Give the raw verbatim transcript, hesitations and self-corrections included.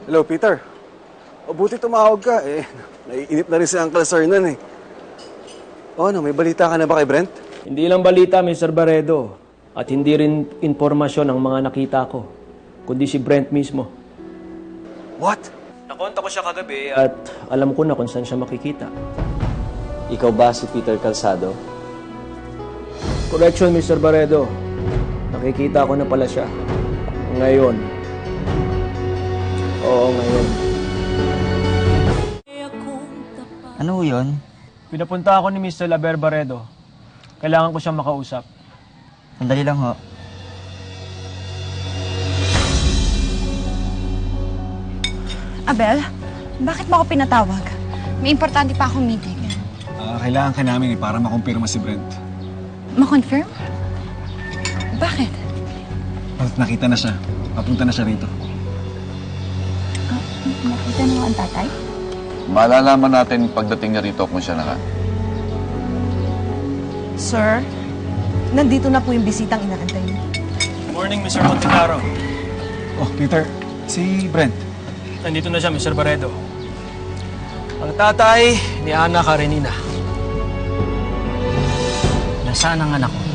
Hello, Peter. O, buti tumawag ka. Eh, naiinip na rin si Uncle Sir nun eh. O ano, may balita ka na ba kay Brent? Hindi lang balita, Mister Barredo. At hindi rin informasyon ang mga nakita ko. Kundi si Brent mismo. What? Nakonta ko siya kagabi at alam ko na kung saan siya makikita. Ikaw ba si Peter Calzado? Correction, Mister Barredo. Nakikita ko na pala siya. Ngayon. Oo, ngayon. Ano yun? Pinapunta ako ni Mister Laber Barredo. Kailangan ko siyang makausap. Sandali lang ho. Abel, bakit mo ako pinatawag? May importante pa akong meeting. Uh, kailangan ka namin eh, para makumpirma si Brent. Ma-confirm? Bakit? At nakita na siya. Papunta na siya rito. Ah, nakita mo ang tatay? Malalaman natin pagdating niya rito kung siya na nga. Sir, nandito na po yung bisitang inaantay niyo. Good morning, Mister Monteclaro. Oh, Peter. Si Brent. Nandito na siya, Mister Barredo. Ang tatay ni Ana Karenina. Nasaan ang anak ko?